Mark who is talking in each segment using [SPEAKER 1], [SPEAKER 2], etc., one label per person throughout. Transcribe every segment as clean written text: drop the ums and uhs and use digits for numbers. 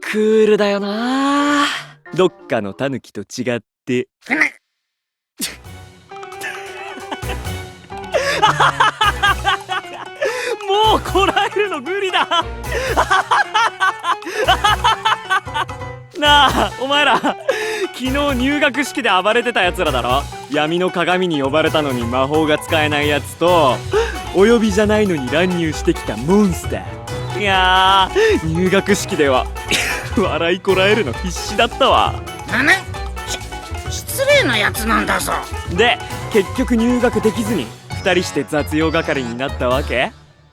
[SPEAKER 1] クールだよな。どっかのタヌキと違って。もうこらえるの無理だ。なあ、お前ら昨日入学式で暴れてたやつらだろ。闇の鏡に呼ばれたのに魔法が使えないやつと、お呼びじゃないのに乱入してきたモンスター。いやー、入学式では笑いこらえるの必死だったわ。
[SPEAKER 2] 失礼なやつなんだぞ。
[SPEAKER 1] で結局入学できずに2人して雑用係になったわけ。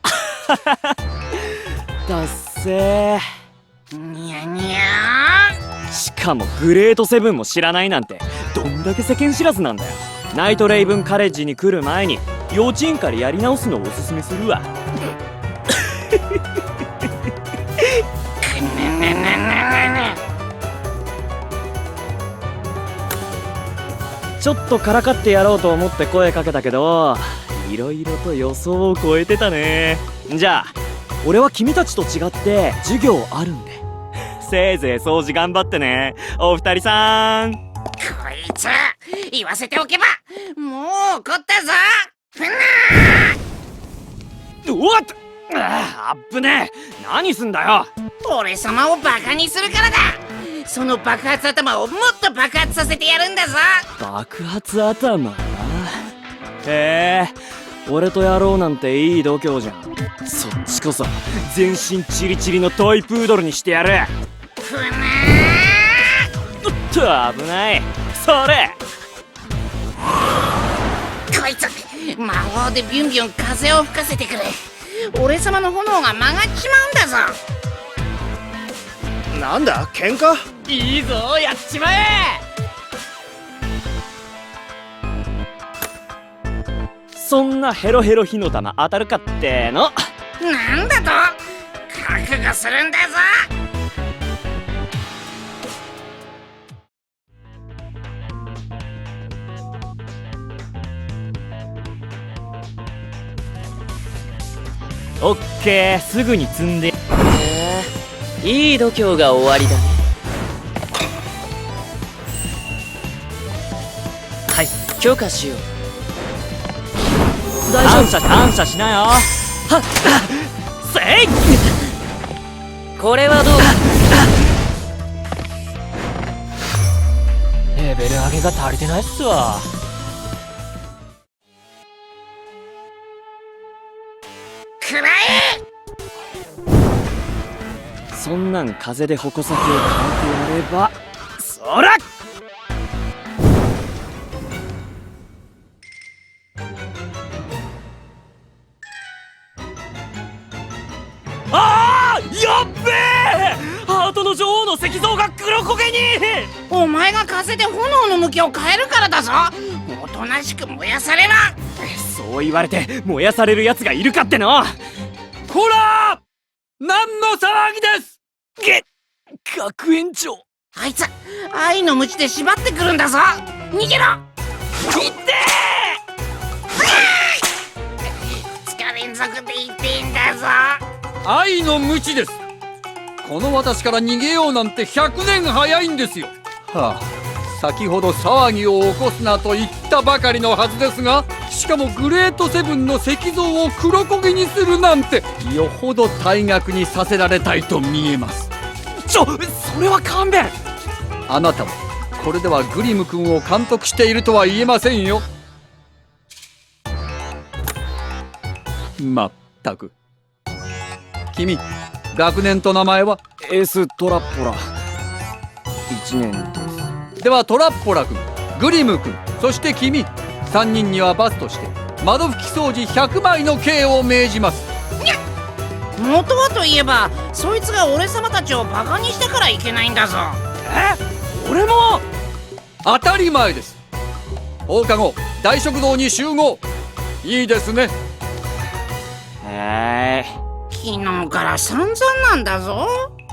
[SPEAKER 1] だっせー。
[SPEAKER 2] にゃにゃー。
[SPEAKER 1] しかもグレートセブンも知らないなんてどんだけ世間知らずなんだよ。ナイトレイブンカレッジに来る前に幼稚園からやり直すのをおすすめするわ。ちょっとからかってやろうと思って声かけたけど、いろいろと予想を超えてたね。じゃあ俺は君たちと違って授業あるんで、せいぜい掃除頑張ってね、お二人さん。
[SPEAKER 2] こいつ言わせておけばもう怒ったぞ。
[SPEAKER 1] おっと、あっぶねえ。何すんだよ。
[SPEAKER 2] 俺様をバカにするからだ。その爆発頭をもっと爆発させてやるんだぞ。
[SPEAKER 1] 爆発頭な。へえ、俺とやろうなんていい度胸じゃん。そっちこそ全身チリチリのトイプードルにしてやる。おっと危ない。それ
[SPEAKER 2] こいつ魔法でビュンビュン風を吹かせてくれ。俺様の炎が曲がっちまうんだぞ。
[SPEAKER 3] なんだ喧嘩？
[SPEAKER 1] いいぞ、やっちまえ。そんなヘロヘロ火の玉当たるかっての。
[SPEAKER 2] なんだと覚悟するんだぞ。
[SPEAKER 1] オッケー、すぐに積んで。いい度胸が終わりだね。はい、許可しよう。大丈夫。感謝しなよ。はっ、せい。これはどう？レベル上げが足りてないっすわ。
[SPEAKER 2] くらえ。
[SPEAKER 1] そんなん風で矛先を変えてやれば。そら！あー、やっべえ！ハートの女王の石像が黒焦げに。
[SPEAKER 2] お前が風で炎の向きを変えるからだぞ。おとなしく燃やされな。
[SPEAKER 1] そう言われて燃やされる奴がいるかっての。こらー！何の騒ぎです！学園長。
[SPEAKER 2] あいつ愛の鞭で縛ってくるんだぞ。逃げろ。
[SPEAKER 1] いって
[SPEAKER 2] ー。2日連続で言っていいんだぞ。
[SPEAKER 4] 愛の鞭です。この私から逃げようなんて100年早いんですよ。はあ、先ほど騒ぎを起こすなと言ったばかりのはずですが、しかもグレートセブンの石像を黒焦げにするなんて、よほど退学にさせられたいと見えます。
[SPEAKER 1] それは勘弁。
[SPEAKER 4] あなたはこれではグリム君を監督しているとは言えませんよ。まったく。君、学年と名前は？
[SPEAKER 1] エーストラッポラ1年です。
[SPEAKER 4] ではトラッポラ君、グリム君、そして君、3人には罰として窓拭き掃除100枚の刑を命じます。
[SPEAKER 2] 元はといえばそいつが俺様たちをバカにしたからいけないんだぞ。
[SPEAKER 1] 俺も。
[SPEAKER 4] 当たり前です。放課後大食堂に集合。いいですね。
[SPEAKER 2] 昨日から散々なんだぞ。